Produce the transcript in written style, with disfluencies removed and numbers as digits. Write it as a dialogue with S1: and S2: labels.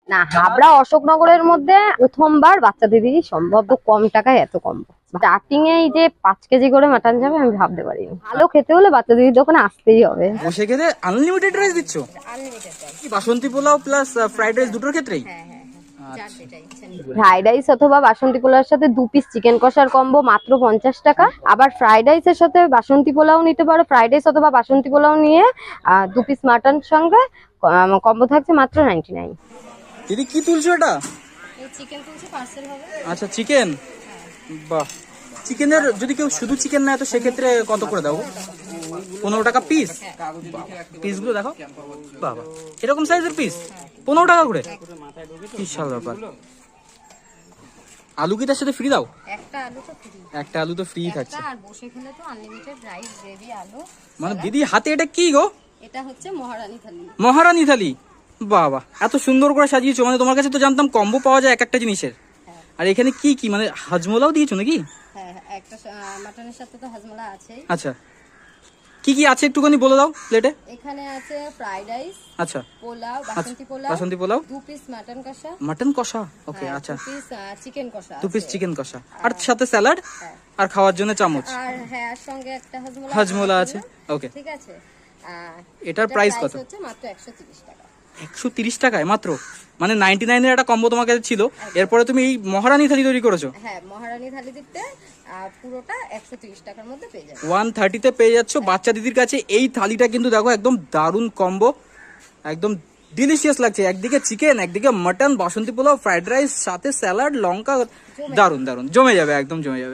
S1: না, হাবড়া অশোকনগরের মধ্যে প্রথমবার বাচ্চা দিদিরই সম্ভব কম টাকায় এত কম। স্টার্টিং এ এই যে 5 কেজি করে মাটন যাবে আমি ভাবতে পারিনি। ভালো খেতে হলে বাচ্চা দিদির দোকানে আসতেই হবে।
S2: বসে খেতে আনলিমিটেড রাইস দিচ্ছ? কি Basanti pulao plus fried rice দুটোর ক্ষেত্রেই?
S1: ফ্রাইড রাইস অথবা বাসন্তী পোলাওর সাথে 2 পিস চিকেন কষার কম্বো মাত্র 50 টাকা। আবার ফ্রাইড রাইসের সাথে বাসন্তী পোলাও নিতে পারো, ফ্রাইড রাইস অথবা বাসন্তী পোলাও নিয়ে 2 পিস মাটন সঙ্গে কম্বো থাকছে মাত্র 99।
S2: দিদি কি তুলছো এটা?
S1: চিকেন তুলছি, পার্সেল হবে।
S2: আচ্ছা চিকেন, বাহ। চিকেনের যদি কেউ শুধু চিকেন নেয় তো সেক্ষেত্রে কত করে দাও? 15 টাকা পিস? পিস গুলো দেখো, বাবা এরকম সাইজের পিস 15 টাকা করে, বিশাল ব্যাপার। আলু কি তার সাথে ফ্রি দাও? একটা আলু তো ফ্রি থাকছে।
S1: আর বসে খেলে তো আনলিমিটেড রাইস, গ্রেভি, আলু।
S2: মানে দিদি হাতে এটা কি গো?
S1: এটা হচ্ছে মহারানী থালি।
S2: মহারানী থালি, বাবা এত সুন্দর করে সাজিয়েছো। মানে তোমার কাছে তো জানতাম কম্বো পাওয়া যায় এক একটা জিনিসের, আর এখানে কি কি মানে হাজমোলাও দিয়েছো নাকি?
S1: হ্যাঁ, একটা মাটনের সাথে তো হাজমোলা আছেই।
S2: আচ্ছা কি কি আছে একটুখানি বলে দাও প্লেটে।
S1: এখানে আছে ফ্রাইড রাইস,
S2: আচ্ছা
S1: pulao, Basanti pulao,
S2: Basanti pulao,
S1: 2 piece mutton kosha,
S2: mutton kosha, okay আচ্ছা
S1: 2 পিস চিকেন কষা,
S2: 2 পিস চিকেন কষা, আর সাথে স্যালাড, আর খাওয়ার জন্য চামচ,
S1: আর হ্যাঁ আর সঙ্গে একটা হাজমোলা।
S2: হাজমোলা আছে, ওকে।
S1: ঠিক আছে।
S2: এটার প্রাইস কত?
S1: হচ্ছে মাত্র 130 টাকা।
S2: 130 টাকায় মাত্র? মানে 99 এর একটা কম্বো তোমার কাছে ছিল, এরপরে তুমি এই মহারানী থালি তৈরি করেছো?
S1: হ্যাঁ, মহারানী থালি দিতে পুরোটা 130 টাকার মধ্যে পেয়ে যাবে।
S2: 130 তে পেয়ে যাচ্ছ বাচ্চা দিদির কাছে এই থালিটা। কিন্তু দেখো একদম দারুণ কম্বো, একদম ডিলিশিয়াস লাগছে। একদিকে চিকেন, একদিকে mutton, Basanti pulao, fried rice, সাথে স্যালাড, লঙ্কা, দারুণ দারুণ জমে যাবে, একদম জমে যাবে।